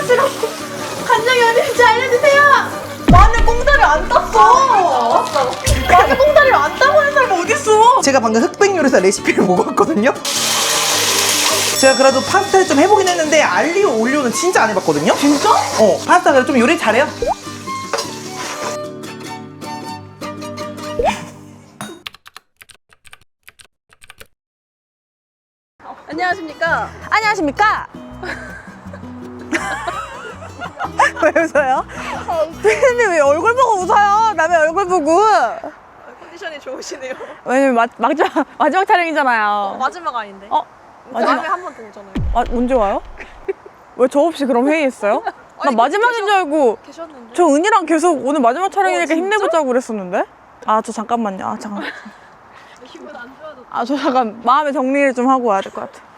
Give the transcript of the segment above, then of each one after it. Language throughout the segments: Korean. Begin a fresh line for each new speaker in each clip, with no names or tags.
맛이라고. 간장이 어딘지 알려주세요. 마늘 꽁다리 안 땄어. 마늘 꽁다리를 안 따고 하는 사람 어딨어? 제가 방금 흑백 요리사 레시피를 먹었거든요. 제가 그래도 파스타를 좀 해보긴 했는데 알리오 올리오는 진짜 안 해봤거든요. 진짜? 파스타 그래도 좀 요리 잘해요.
안녕하십니까?
안녕하십니까? 왜 웃어요? 피디님 왜 얼굴 보고 웃어요? 남의 얼굴 보고.
컨디션이 좋으시네요.
왜냐면 마지막 촬영이잖아요.
마지막 아닌데?
마지막?
다음에 한 번 더 오잖아요.
언제 와요? 왜 저 없이 그럼 회의했어요? 나
아니,
마지막인 줄 알고.
계셨는데?
저 은이랑 계속 오늘 마지막 촬영이니까
진짜?
힘내보자고 그랬었는데? 저 잠깐만요. 잠깐.
기분 안 좋아도
저 잠깐 마음의 정리를 좀 하고 와야 될 것 같아.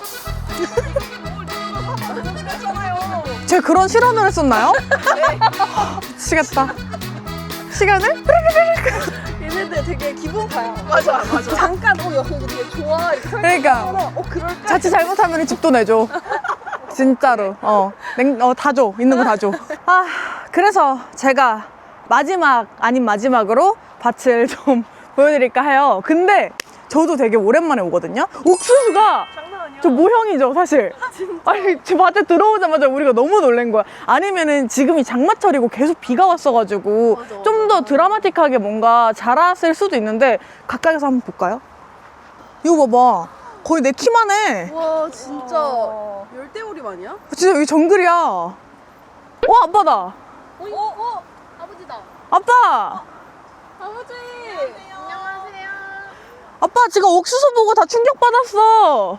제가 그런 실언을 했었나요?
네.
미치겠다. 시간을?
얘네들 되게 기분 봐요. 맞아. 잠깐 여기 되게 좋아. 이렇게
그러니까
그럴까?
자칫 잘못하면 집도 내줘. 진짜로. 다 줘. 있는 거 다 줘. 그래서 제가 마지막 아닌 마지막으로 밭을 좀 보여드릴까 해요. 근데 저도 되게 오랜만에 오거든요. 옥수수가
장난 아니야.
저 모형이죠, 사실. 아니, 제 밭에 들어오자마자 우리가 너무 놀란 거야. 아니면은 지금이 장마철이고 계속 비가 왔어가지고
맞아.
좀 더 드라마틱하게 뭔가 자랐을 수도 있는데 가까이서 한번 볼까요? 이거 봐봐. 거의 내 키만 해.
와 진짜 열대우림 아니야?
진짜 여기 정글이야. 아빠다.
아버지다.
아빠.
아버지. 안녕하세요.
아빠 지금 옥수수 보고 다 충격받았어.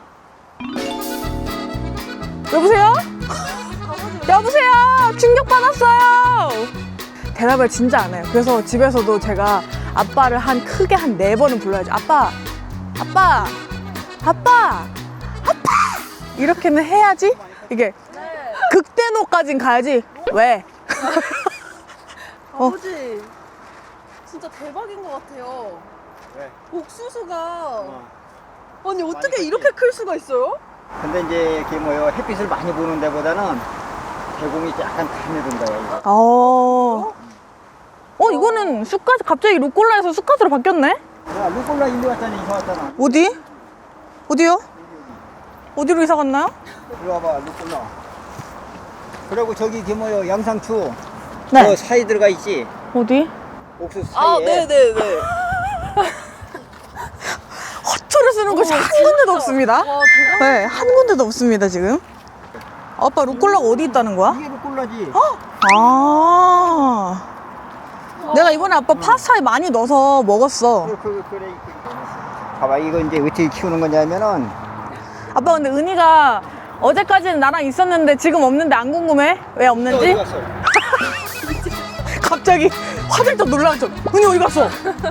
여보세요? 여보세요? 충격받았어요. 대답을 진짜 안 해요. 그래서 집에서도 제가 아빠를 크게 한 4번은 불러야죠. 아빠 이렇게는 해야지. 이게 극대노까진 가야지. 왜?
아버지 진짜 대박인 것 같아요.
왜?
옥수수가 아니 어떻게 이렇게 클 수가 있어요?
근데 이제 이게 뭐요 햇빛을 많이 보는 데보다는 대공이 약간 가늘은 거예요.
이거는 쑥갓 갑자기 루꼴라에서 쑥갓으로 바뀌었네?
야, 루꼴라 일로 왔잖아, 이사 왔잖아.
어디? 어디요? 어디로 이사 갔나요?
이리 와봐, 루꼴라. 그리고 저기 이게 뭐요 양상추.
네.
저 사이 들어가 있지.
어디?
옥수수 사이에.
네네네.
허초를 쓰는 곳이 한 군데도 없습니다.
와 대박.
네, 한 군데도 없습니다, 지금. 아빠 루꼴라가 어디 있다는 거야?
이게 루꼴라지.
내가 이번에 아빠 파스타에 많이 넣어서 먹었어.
그래. 봐봐, 이거 이제 어떻게 키우는 거냐면은
아빠 근데 은희가 어제까지는 나랑 있었는데 지금 없는데 안 궁금해? 왜
어디
없는지?
갔어?
갑자기 화들짝 놀라서 은희 어디 갔어?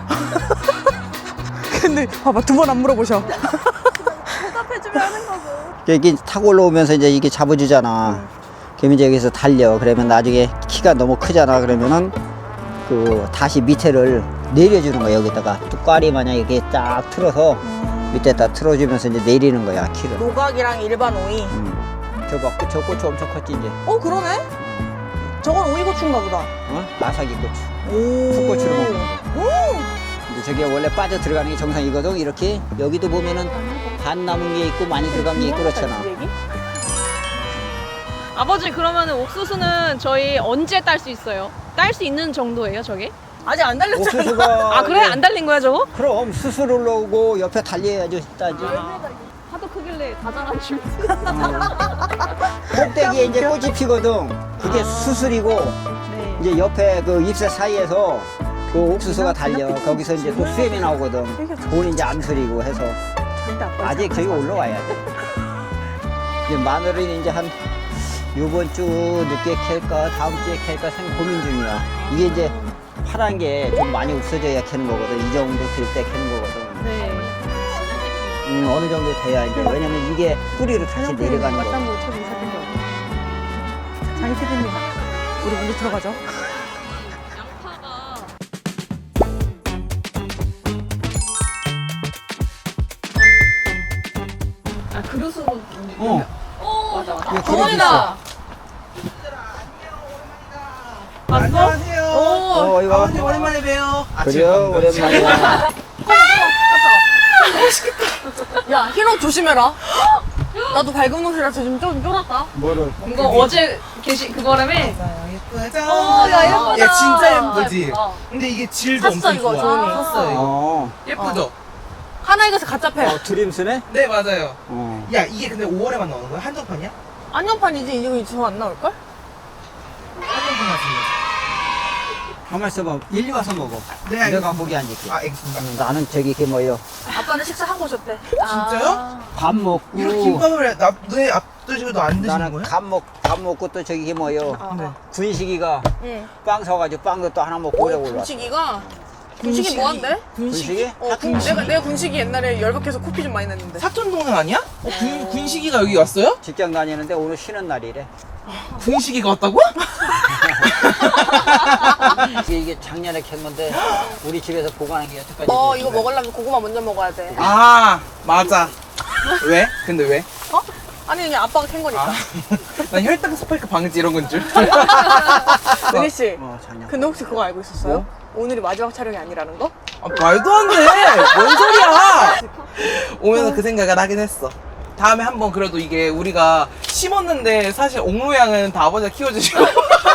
근데 봐봐 2번 안 물어보셔.
대답해주면 하는 거고.
여기 타고 올라오면서 이제 이게 잡아주잖아. 그러면 이제 여기서 달려. 그러면 나중에 키가 너무 크잖아. 그러면은 다시 밑에를 내려주는 거야. 여기다가 뚝과리 마냥 이렇게 딱 틀어서 밑에다 틀어주면서 이제 내리는 거야, 키를.
노각이랑 일반 오이.
저 고추 엄청 컸지 이제.
그러네? 저건 오이고추인가 보다.
아삭이 고추.
오.
풋고추를 먹는 거. 이제 저게 원래 빠져 들어가는 게 정상이거든. 이렇게 여기도 보면은 반 남은 게 있고 많이 들어간 게 있고 그렇잖아.
아버지 그러면은 옥수수는 저희 언제 딸 수 있어요? 딸 수 있는 정도예요 저게?
아직 안 달렸잖아.
옥수수가
아 그래? 안 달린 거야 저거?
그럼 수술 올라오고 옆에 달려야지 따지.
하도 크길래 다 자란 줄.
꼭대기에 이제 꽃이 피거든. 그게 수술이고
네.
이제 옆에 그 잎새 사이에서 그 옥수수가 달려. 거기서 이제 또 수염이 나오거든. 그건 이제 암술이고 해서 아직 저기 올라와야 돼. 이제 마늘은 이제 한 요번 주 늦게 캘까 다음 주에 캘까 생각 고민 중이야. 이게 이제 파란 게 좀 많이 없어져야 캐는 거거든. 이 정도 될 때 캐는 거거든.
네.
어느 정도 돼야 이제 왜냐면 이게 뿌리로 다시 내려가는 거.
장희 PD님, 우리 먼저 들어가죠.
양파가
어.
오
맞아.
어머니다. 왔어?
안녕하세요.
이거.
아버님 오랜만에 봬요.
그래요, 오랜만이야.
야 희롱 조심해라. 나도 밝은 옷이라서 좀 쫄았다.
뭐를?
이거 어제 그거라며?
예쁘죠?
야, 예쁘다.
야, 진짜 예쁘지?
어.
근데 이게 질도
샀어,
엄청
이거,
좋아.
조은이.
샀어요, 이거.
어.
예쁘죠?
하나이그에서 가짜 팩.
드림스네?
네, 맞아요.
어.
야, 이게 근데 5월에만 나오는 거야? 한정판이야?
안녕판이지 이거 저 안 나올걸?
한정판 같은데.
가만 있어봐. 일리 와서 먹어.
네,
내가
알겠습니다.
거기 앉을게.
알겠습니다.
나는 저기 이게 뭐예요?
아빠는 식사 하고 오셨대.
진짜요?
밥 먹고.
이렇게 김밥을 너네 앞두시고도 안 드시는
나는
거예요?
밥 먹고 또 저기 이게 뭐예요?
네.
군식이가
응.
빵 사가지고 빵도 또 하나 먹고 오려고 올라.
군식이가 군식이 뭐한대?
군식이?
내가 군식이 옛날에 열받게서 코피 좀 많이 냈는데.
사촌동생 아니야? 군식이가 여기 왔어요?
직장 다니는데 오늘 쉬는 날이래.
군식이가 왔다고?
이게 작년에 캔 건데 우리 집에서 보관한 게 여태까지.
이거 먹으려면 고구마 먼저 먹어야 돼.
아, 맞아. 왜? 근데 왜?
아니 그냥 아빠가 캔 거니까.
난 혈당 스파이크 방지 이런 건 줄.
은희 씨.
작년.
근데 혹시 그거 알고 있었어요? 오늘이 마지막 촬영이 아니라는 거?
아, 말도 안 돼. 뭔 소리야? 오면서 그 생각을 하긴 했어. 다음에 한번 그래도 이게 우리가 심었는데 사실 옥로양은 다 아버지가 키워주시고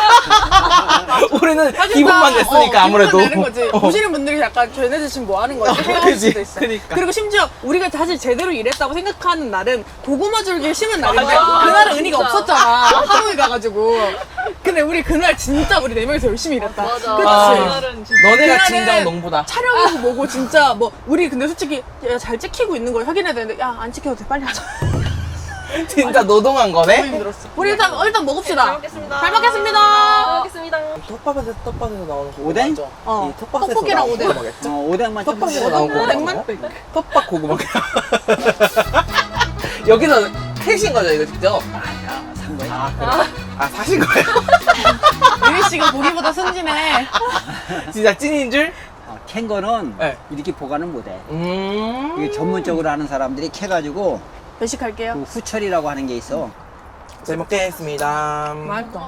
우리는 기분만 냈으니까 아무래도
기분만 내는 거지. 보시는 분들이 약간 쟤네들 지금 뭐 하는 거지 생각할
그지?
수도 있어.
그니까.
그리고 심지어 우리가 사실 제대로 일했다고 생각하는 날은 고구마 줄기를 심은 날인데
맞아.
그날은 은희가
진짜.
없었잖아. 하루에 가가지고. 근데 우리 그날 진짜 우리 4명이서 열심히 일했다.
맞아.
그치?
그날은 진짜.
너네가
그날은
진정 농부다.
촬영이고 뭐고 진짜 뭐 우리 근데 솔직히 잘 찍히고 있는 걸 확인해야 되는데 야 안 찍혀도 돼 빨리 하자.
진짜 노동한
너무
거네.
힘들었어. 우리 일단 먹읍시다.
잘 먹겠습니다.
잘 먹겠습니다.
잘 먹겠습니다.
톱밥에서 나오는 고구마
오뎅?
맞죠?
어.
이 톱밥에서
떡볶이랑
나오는
오뎅.
고구마겠죠?
오뎅만 좀
톱밥에서 나온 고구마.
오뎅만?
톱밥 고구마. 여기서 캐신 거죠 이거 직접?
산 거야.
아 그래? 아 사신 거예요?
은희 씨가 보기보다 순진해.
진짜 찐인 줄?
캔 거는
네.
이렇게 보관은 못해. 이게 전문적으로 하는 사람들이 캐가지고
배식할게요.
그 후철이라고 하는 게 있어.
잘 먹겠습니다.
맛있다.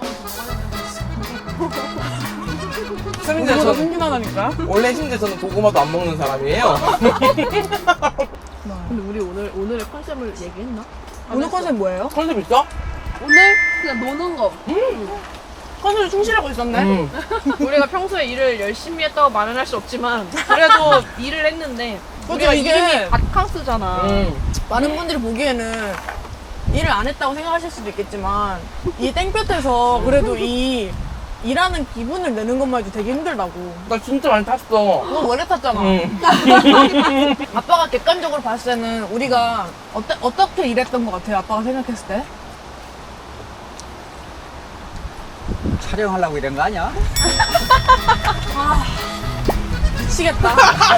심지어
보기보다
저는
순진하다니까.
원래 심지어 저는 고구마도 안 먹는 사람이에요.
근데 우리 오늘의 컨셉을 얘기했나?
오늘 컨셉 뭐예요?
컨셉 있어?
오늘 그냥 노는 거.
컨셉을 충실하고 있었네.
우리가 평소에 일을 열심히 했다고 말은 할 수 없지만 그래도 일을 했는데 우리가
이게-
이름이 바캉스잖아.
많은 분들이 보기에는 일을 안 했다고 생각하실 수도 있겠지만 이 땡볕에서 그래도 이 일하는 기분을 내는 것만 해도 되게 힘들다고.
나 진짜 많이 탔어.
너 원래 탔잖아. 아빠가 객관적으로 봤을 때는 우리가 어떻게 일했던 것 같아요? 아빠가 생각했을 때?
촬영하려고 이런 거 아니야?
미치겠다.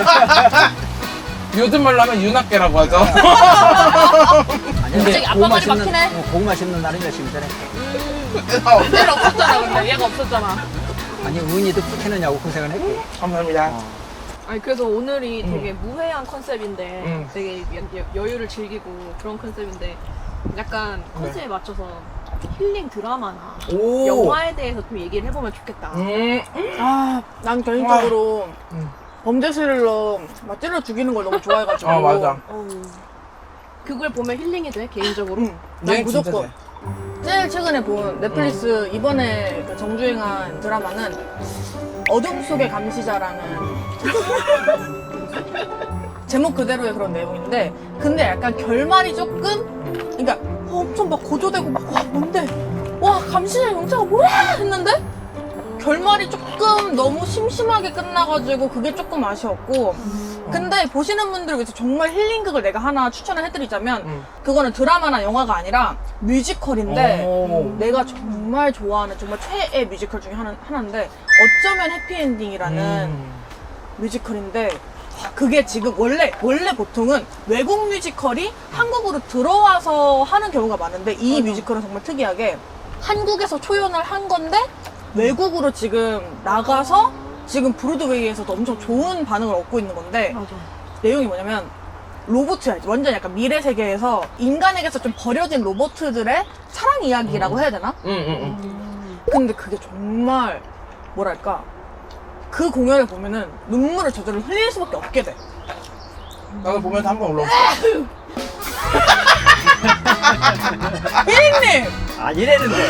요즘 말로 하면 윤학계라고 하죠.
아니,
갑자기 아빠 말이 막히네.
고구마 심는 날은 열심히 되네.
얘는 없었잖아 근데 얘가 없었잖아.
아니 은희도 캐느냐고 고생을 했고.
감사합니다.
아니 그래서 오늘이 되게 무해한 컨셉인데
음.
되게 여유를 즐기고 그런 컨셉인데 약간 컨셉에 맞춰서 힐링 드라마나
오.
영화에 대해서 좀 얘기를 해보면 좋겠다.
난 개인적으로
음.
범죄 스릴러 막 찔러 죽이는 걸 너무 좋아해가지고.
아 맞아.
그걸 보면 힐링이 돼 개인적으로.
난
얘 진짜
무조건.
돼.
제일 최근에 본 넷플릭스 이번에 그 정주행한 드라마는 어둠 속의 감시자라는 제목 그대로의 그런 내용인데 근데 약간 결말이 조금 그러니까 엄청 막 고조되고 막 와 뭔데 와 감시자 영차가 뭐야 했는데 결말이 조금 너무 심심하게 끝나가지고 그게 조금 아쉬웠고 근데 보시는 분들을 위해서 정말 힐링극을 내가 하나 추천을 해드리자면 그거는 드라마나 영화가 아니라 뮤지컬인데
오.
내가 정말 좋아하는 정말 최애 뮤지컬 중에 하나인데 어쩌면 해피엔딩이라는 뮤지컬인데 그게 지금 원래 보통은 외국 뮤지컬이 한국으로 들어와서 하는 경우가 많은데 이 뮤지컬은 정말 특이하게 한국에서 초연을 한 건데 외국으로 지금 나가서 지금 브로드웨이에서도 엄청 좋은 반응을 얻고 있는 건데
맞아.
내용이 뭐냐면 로봇이야. 완전 약간 미래 세계에서 인간에게서 좀 버려진 로봇들의 사랑 이야기라고 해야 되나? 근데 그게 정말 뭐랄까 그 공연을 보면은 눈물을 저절로 흘릴 수밖에 없게 돼.
나도 보면서 한 번 올라왔어.
힐링님!
안 이랬는데.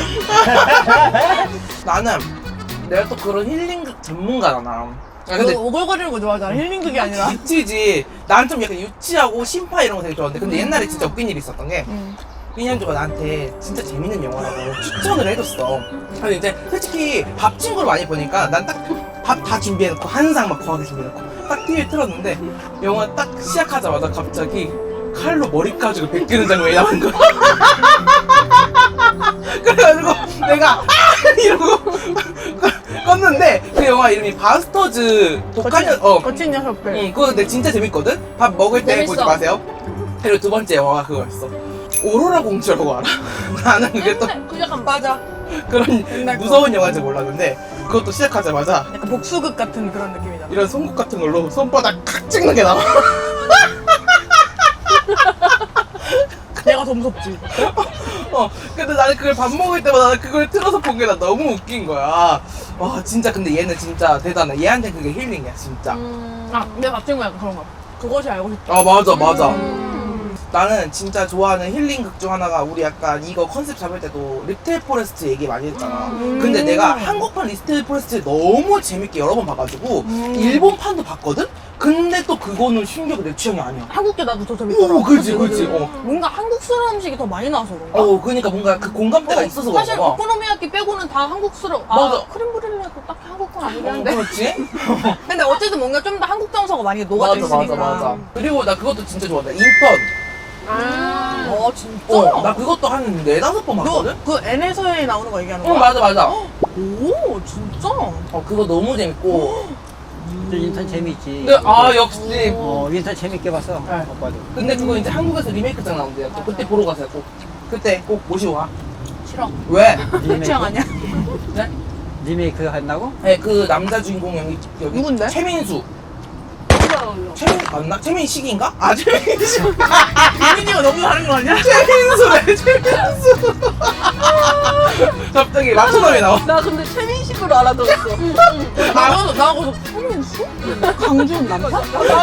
나는 내가 또 그런 힐링극 전문가잖아. 아,
너
근데
오글거리는 거 좋아하잖아. 힐링극이 아니라.
유치지. 난 좀 약간 유치하고 심파 이런 거 되게 좋아하는데 근데 옛날에 진짜 웃긴 일이 있었던 게 삐년조가 나한테 진짜 재밌는 영화라고 추천을 해줬어. 근데 이제 솔직히 밥 친구를 많이 보니까 난 딱 밥 다 준비해놓고 한상 막 거하게 준비해놓고 딱 TV에 틀었는데 영화 딱 시작하자마자 갑자기 칼로 머리 가지고 베끼는 장면이 나온 거야. 그래가지고 내가 이러고 껐는데 그 영화 이름이 바스터즈 독한
거친 녀석들.
응, 그거 근데 진짜 재밌거든? 밥 먹을 때
재밌어.
보지 마세요. 그리고 두 번째 영화가 그거였어. 오로라 공주라고 알아? 나는 그게 또
그 약간 맞아.
그런
옛날 거.
무서운 영화인지 몰랐는데 그것도 시작하자마자
약간 복수극 같은 그런 느낌이잖아.
이런 송곳 같은 걸로 손바닥 칵 찍는 게 나와.
내가 더 무섭지.
근데 나는 그걸 밥 먹을 때마다 그걸 틀어서 본 게 나 너무 웃긴 거야. 와 진짜 근데 얘는 진짜 대단해. 얘한테 그게 힐링이야 진짜.
아, 내 밥친구 약간 그런 거. 그것이 알고 싶다.
아 맞아 맞아. 나는 진짜 좋아하는 힐링극 중 하나가 우리 약간 이거 컨셉 잡을 때도 리틀 포레스트 얘기 많이 했잖아. 근데 내가 한국판 리틀 포레스트 너무 재밌게 여러 번 봐가지고 일본판도 봤거든? 근데 또 그거는 신기하게 내 취향이 아니야.
한국게 나도 더 재밌더라.
오 그지 그지.
뭔가 한국스러운 음식이 더 많이 나와서 그런가?
그러니까 뭔가 그 공감대가 있어서
사실
그런가 봐.
오코노미야끼 빼고는 다 한국스러워.
맞아.
크림 브릴레도 딱히 한국 건 아니긴 한데.
그렇지?
근데 어쨌든 뭔가 좀 더 한국 정서가 많이 녹아져 있으니까.
그리고 나 그것도 진짜 좋아한다. 인턴.
진짜?
나 그것도 한 4-5번 봤거든?
너 그 N에서에 나오는 거 얘기하는 거야?
맞아 맞아.
오, 진짜?
그거 너무 재밌고.
인턴 재밌지.
근데 역시.
인턴 재밌게 봤어.
네.
오빠도.
근데 그거 이제 한국에서 리메이크장 나온대요. 또 그때 보러 가세요. 꼭. 그때 꼭 모시고 가.
싫어.
왜?
내 취향 아니야?
네?
리메이크 한다고?
네, 그 남자 주인공 여기
누군데?
최민수. 최민수 맞나? 최민식인가? 아 최민식.
민이가 너무 다른 거 아니야?
최민수래 최민수. 갑자기 맞춰남이 나와.
나 근데 최민식으로 알아들었어.
나하고도 최민수? 강준 남자?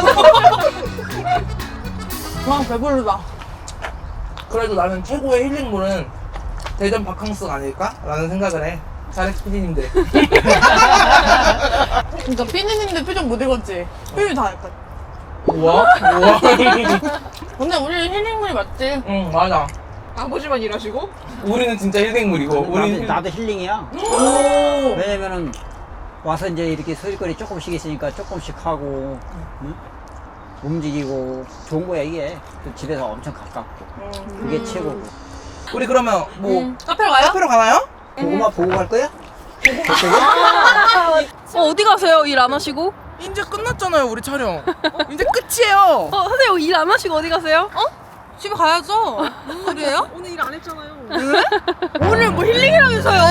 와, 배부르다.
그래도 나는 최고의 힐링물은 대전 바캉스가 아닐까? 라는 생각을 해. 자렉 PD님들.
그러니까 피디님들 표정 못 읽었지? 표정이 다 약간.
우와?
근데 우리 힐링물이 맞지?
응, 맞아.
아버지만 일하시고?
우리는 진짜 힐링물이고.
나도 힐링이야.
오.
왜냐면은 와서 이제 이렇게 소일거리 조금씩 있으니까 조금씩 하고 응? 움직이고 좋은 거야 이게. 또 집에서 엄청 가깝고 그게 최고고.
우리 그러면 뭐
카페로 가요?
카페로 가나요?
고구마 보고 갈 거야?
어디 가세요? 일 안 하시고?
이제 끝났잖아요, 우리 촬영. 이제 끝이에요.
선생님 일 안 하시고 어디 가세요?
집에 가야죠. 무슨 소리예요?
오늘 일 안 했잖아요.
오늘 뭐 힐링이라면서요?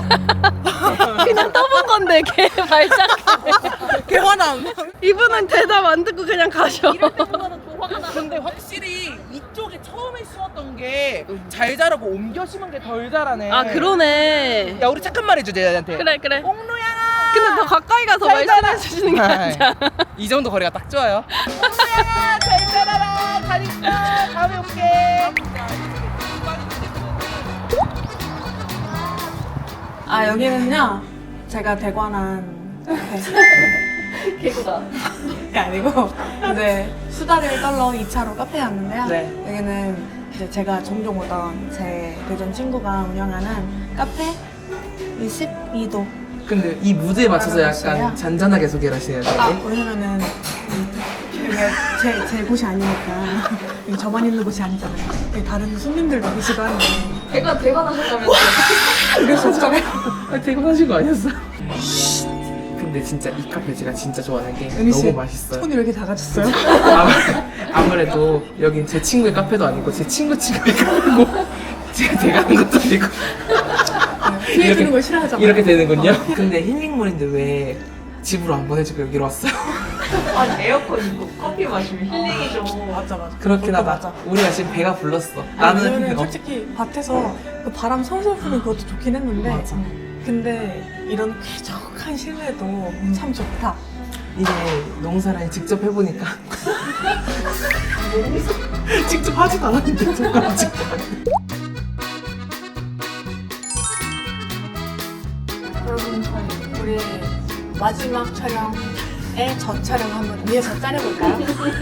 그냥 떠본 건데 걔 발작해.
개화남.
이분은 대답 안 듣고 그냥 가셔.
근데 확실히 이쪽에 처음에 심었던 게 잘 자라고 옮겨 심은 게 덜 자라네.
아 그러네.
야, 우리 착한 말 해줘, 얘한테.
그래 그래.
옥루양아.
근데 더 가까이 가서 말씀해 주시는 게 낫잖아.
이 정도 거리가 딱 좋아요. 옥루양아, 잘 자라라. 잘 있어. 다음에 올게.
아, 여기는요. 제가 대관한
개구다.
게 아니고 이제 수다를 떨러 2차로 카페에 왔는데요.
네.
여기는 이제 제가 종종 오던 제 대전 친구가 운영하는 카페 22도.
근데 이 무드에 맞춰서
알았어요.
약간 잔잔하게 소개를 하시네요.
왜냐면은 이게 제 곳이 아니니까 여기 저만 있는 곳이 아니잖아요. 여기 다른 손님들도 계시고 하는데
대관하셨다면서.
그래서 좋잖아요.
퇴근하신 거 아니었어? 근데 진짜 이 카페 제가 진짜 좋아하는 게
은희 씨,
너무 맛있어요.
손이 왜 이렇게 작아졌어요?
아무래도 여긴 제 친구의 카페도 아니고 제 친구의 카페고 제가 대가는 것도 아니고
피해 주는 걸 싫어하잖아.
이렇게 되는군요. 근데 힐링물인데 왜 집으로 안 보내주고 여기로 왔어요?
아니 에어컨 있고 커피 마시면 힐링이죠.
맞아.
그렇긴 하다.
맞아.
우리가 지금 배가 불렀어.
나는
나는
솔직히 밭에서 그 바람 솔솔 부는 그것도 좋긴 했는데
맞아.
근데 이런 쾌적한 실내도 참 좋다.
이게 농사를 직접 해보니까 직접 하지도 않았는데 정말 직접.
여러분 우리 마지막 촬영에 저 촬영 한번 위에서 짜려볼까요?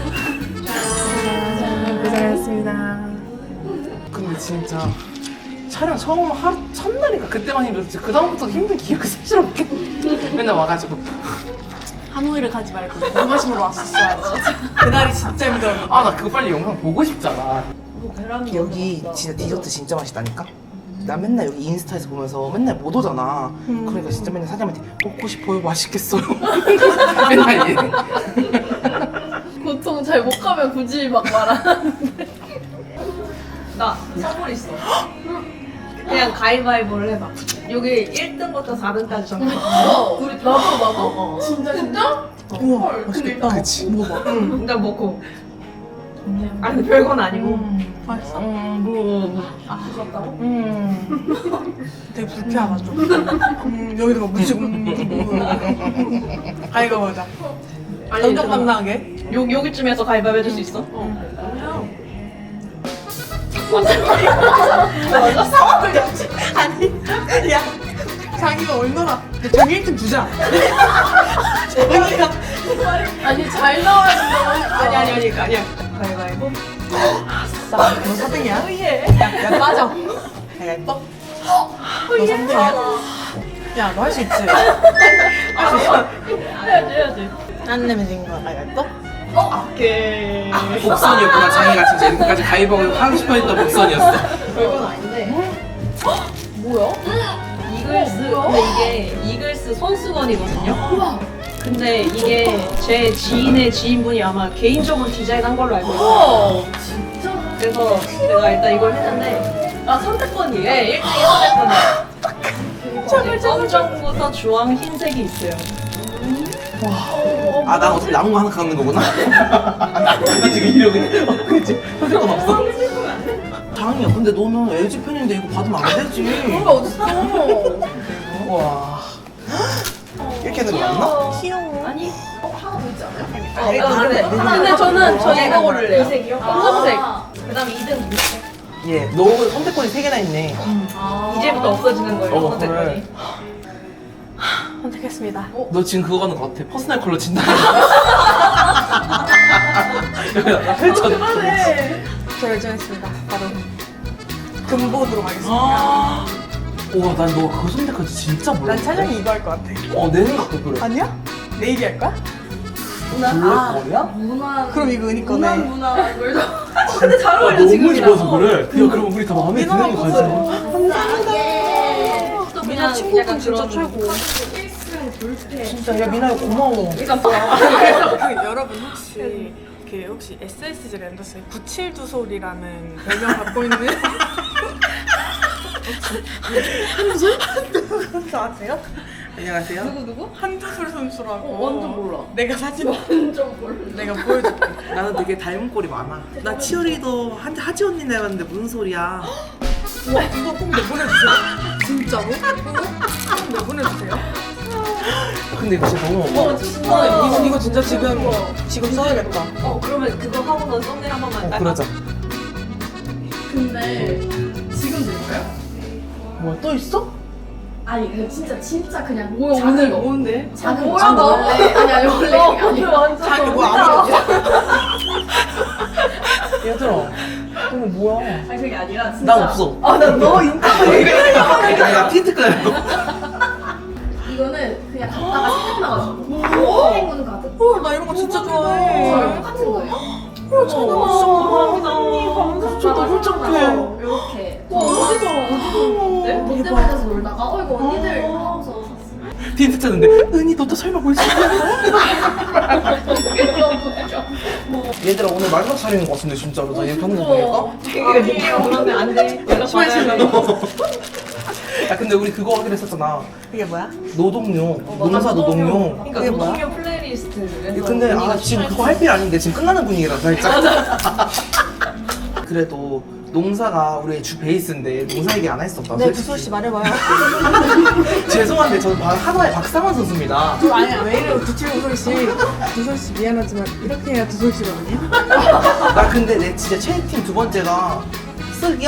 고생하셨습니다.
근데 진짜 촬영 처음 하루 첫날이니까 그때만 힘들었지. 그 다음부터 힘든 기억이 사실 없게 맨날 와가지고
하노이를 가지 말고 무마심으로 왔었어야지. 그날이 진짜 힘들어.
아 나 그거 빨리 영상 보고 싶잖아. 여기 진짜 디저트 진짜 맛있다니까? 나 맨날 여기 인스타에서 보면서 맨날 못 오잖아. 그러니까 진짜 맨날 사장님한테 먹고 싶어요, 맛있겠어요. 맨날 얘.
보통 잘 못 가면 굳이 막 말하는데. 나 선물 있어. 그냥 가위바위보를 해봐. 여기 1등부터 4등까지 정해. 우리 나도. 진짜?
우와 맛있겠다.
그치.
먹어봐.
일단 먹고. 아 근데 별건 아니고.
맛있어?
아 무섭다고?
되게 불쾌하다 좀. 여기도 막 묻히고. 아이가 보자. 정정당당하게.
여기쯤에서 가위바위보 해줄 수 있어?
상황을 잡지. 아니, 야, 자기가 얼마나 자기 1등 주자. 자기가
아니 잘 나와야 된다. 아니 아니야.
가위바위보. 아싸, 너 4등이야? 예. 야, 빠져. 야, 예뻐? 너 3등이야? 야, 너 할 수 있지?
해야지.
안 내면 진 거야. 아, 예뻐?
오케이.
복선이었구나. 자기가 진짜 이렇게까지 가위바위보 하고 싶어 했던 복선이었어.
별건 아닌데. 뭐야? 이글스. 근데 이게 이글스 손수건이거든요. 근데 이게 제 지인의 지인분이 아마 개인적으로 디자인한 걸로 알고 있어요. 진짜? 그래서 제가 일단 이걸 했는데 선택권이에요? 네, 1등이 선택권이에요. 검정부터 주황, 흰색이 있어요.
아, 난 어차피 남은 거 하나 갖는 거구나. 나 지금 이러고 있는데. 그치? 선택권 없어? 장이야. 근데 너는 LG 팬인데 이거 받으면 안 되지.
그런 게 어딨어?
와. 이렇게 되는 거 맞나?
귀여워.
아니 하나 더 있지 않아요?
아, 이거 그래.
근데 저는 이거 고를래요. 이색이요? 검정색. 그 다음에 2등 무색.
예. 너 선택권이 3개나 있네.
이제부터 없어지는 거예요, 선택권이.
그래.
선택했습니다.
너 지금 그거 하는 거 같아. 퍼스널 컬러 진다. 나 펼쳐줄게.
결정했습니다. 바로 금보드로 가겠습니다.
우와, 난 너 그거 선택할지 진짜 몰라.
난 차장이 이거 할 것 같아.
내 생각도 그래.
아니야? 내일이 할 거야?
블랙거리야?
그럼 이거 은희 거네.
문화 뭘도. 근데 잘 어울려
너무
지금이랑.
좋아서 그래. 야, 그럼 우리 다 마음에 드는 거 가지고.
또
미나
그냥
친구분
약간
진짜
그런
최고.
진짜, 야, 미나야, 고마워.
일단
그 여러분 혹시 SSG 랜더스의 972소리라는 별명 갖고 있는 선수 아세요?
안녕하세요.
누구?
한두솔 선수라고.
완전 몰라.
내가 사진
완전 몰라.
내가 보여줄게.
나는 되게 닮은 꼴이 많아. 나 치어리더 하지 언니 닮았는데 무슨 소리야?
우와 이거 꼭 내보내주세요. 진짜로? 꼭 내보내주세요.
근데 이거 진짜 너무
진짜.
이거 진짜 지금 써야겠다.
그러면 그거 하고 난 썸네일 한 번만.
그러자.
근데 지금 될까요?
뭐야, 또 있어?
아니 이거 진짜 그냥
뭐야
작은
오늘
거.
뭔데?
작은
뭐야
거.
나
원래 아니 원래 그게
오늘
아니고
완전
자기 뭐 아무것도
얘들아, 너무 뭐야?
아니 그게 아니라 진짜.
난 없어.
아나너 인터뷰.
나 틴트 끄려.
이거는 그냥 갖다가 생각나가지고 행운 가득.
나 이런 거 진짜 좋아해.
같은 거예요.
진짜 너무 착해.
이렇게
어디서
롯데월드에서 놀다가 이거 언니들 하면서 샀어요.
틴트 쳤는데, 은희, 너도 설마 볼 수 있어? 얘들아, 오늘 마지막 촬영인 것 같은데, 진짜로. 나 이렇게 하는 거 보니까?
되게 그러면 안 돼. 내가 싫어.
야, 근데 우리 그거 하기로 했었잖아.
이게 뭐야?
노동요. 농사 노동요.
그러니까
그게 뭐야?
노동요 플레이리스트.
근데 지금 그거 할 필요 아닌데 지금 끝나는 분위기라 살짝. 그래도 농사가 우리의 주 베이스인데 농사 얘기 안 할 수 없다.
네, 두솔 씨 말해봐요.
죄송한데 저는 하나의 박상원 선수입니다.
아니야, 왜 이래요, 두솔 씨. 두솔 씨 미안하지만 이렇게 해야 두솔 씨거든요.
나 근데 내 진짜 최애팀 두 번째가 쓱이야.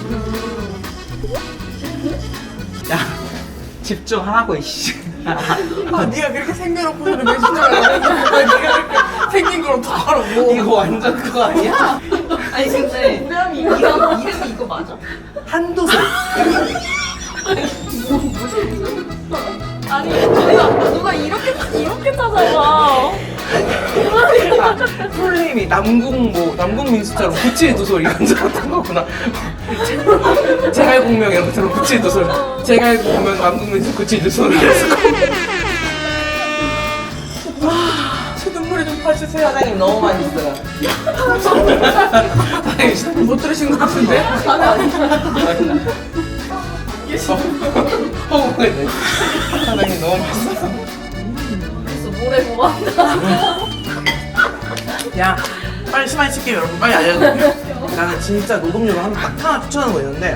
야 집중하라고 이씨.
아, 네가 그렇게 생겨놓고서는 왜 집중을 안 했는데 왜 네가 그렇게 생긴 걸 어떡하라고.
이거 완전 그거 아니야?
아니 근데 이름이 이거 맞아?
한도술.
아니 누가 이렇게 찾아봐.
풀네임이 남궁민수처럼 구칠두솔 이런 줄 알았던 거구나. 제갈공명 이런 것처럼 구칠두솔. 제갈공명 남궁민수 구칠두솔.
제 눈물이 좀 봐주세요.
사장님 너무 맛있어요. 사장님
못 들으신 것 같은데?
허무했네. 사장님 너무 맛있어요.
그래서 모래 고맙다.
야 빨리 시마이 칠게요 여러분. 빨리 알려드릴게요. 나는 진짜 노동요로 딱 하나 추천하는 거 있는데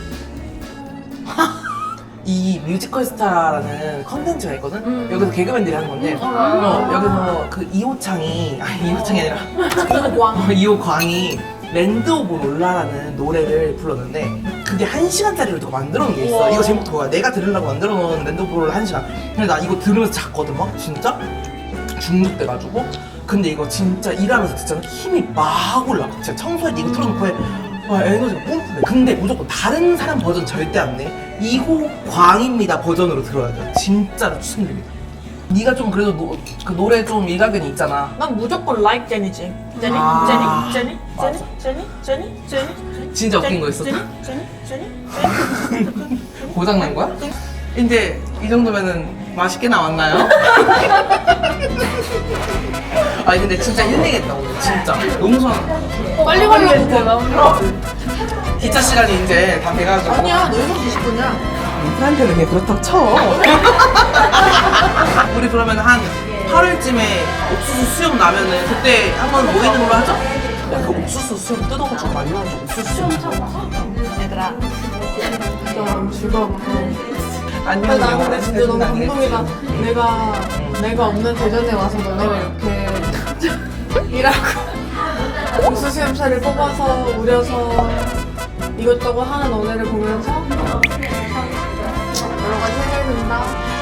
이 뮤지컬 스타라는 컨텐츠가 있거든? 여기서 개그맨들이 하는 건데 여기서 그 이호창이 아니라 이호광이 랜드 오브 롤라라는 노래를 불렀는데 그게 1시간짜리로 더 만들어 놓은 게 있어. 이거 제목 그거야. 내가 들으려고 만들어 놓은 랜드 오브 롤라 1시간. 근데 나 이거 들으면서 잤거든 막 진짜 중독돼가지고. 근데 이거 진짜 일하면서 듣잖아 힘이 막 올라. 진짜 청소할 때 이거 틀어놓고 해. 와 에너지가 뿜뿜해. 근데 무조건 다른 사람 버전 절대 안 내. 이호광입니다 버전으로 들어야 돼. 진짜로 추천드립니다. 네가 좀 그래도 그 노래 좀 일가견이 있잖아.
난 무조건 like 제니지. 제니?
아.
제니?
진짜 웃긴 거 있었다.
제니?
고장 난 거야? 이제 이 정도면은 맛있게 나왔나요? 아니 근데 진짜 힐링했다 오늘 진짜. 용선
빨리 가려고.
기차 시간이 이제 다 돼가지고.
아니야, 너 6시 20분이야.
우리한테는 그냥 그렇다고 쳐. 우리 그러면 한 8월쯤에 옥수수 수염 나면은 그때 한번 모이는 걸로 하죠? 야, 그 옥수수 수염 뜯어가지고 말려가지고 옥수수 수염
얘들아, 진짜 너무 즐거웠고.
안녕.
나 근데 진짜 너무 감동이다. 내가 없는 대전에 와서 너네가 이렇게 일하고 옥수수 염차를 뽑아서 우려서 이것저것 하는 너네를 보면서 여러 가지 생각이 든다.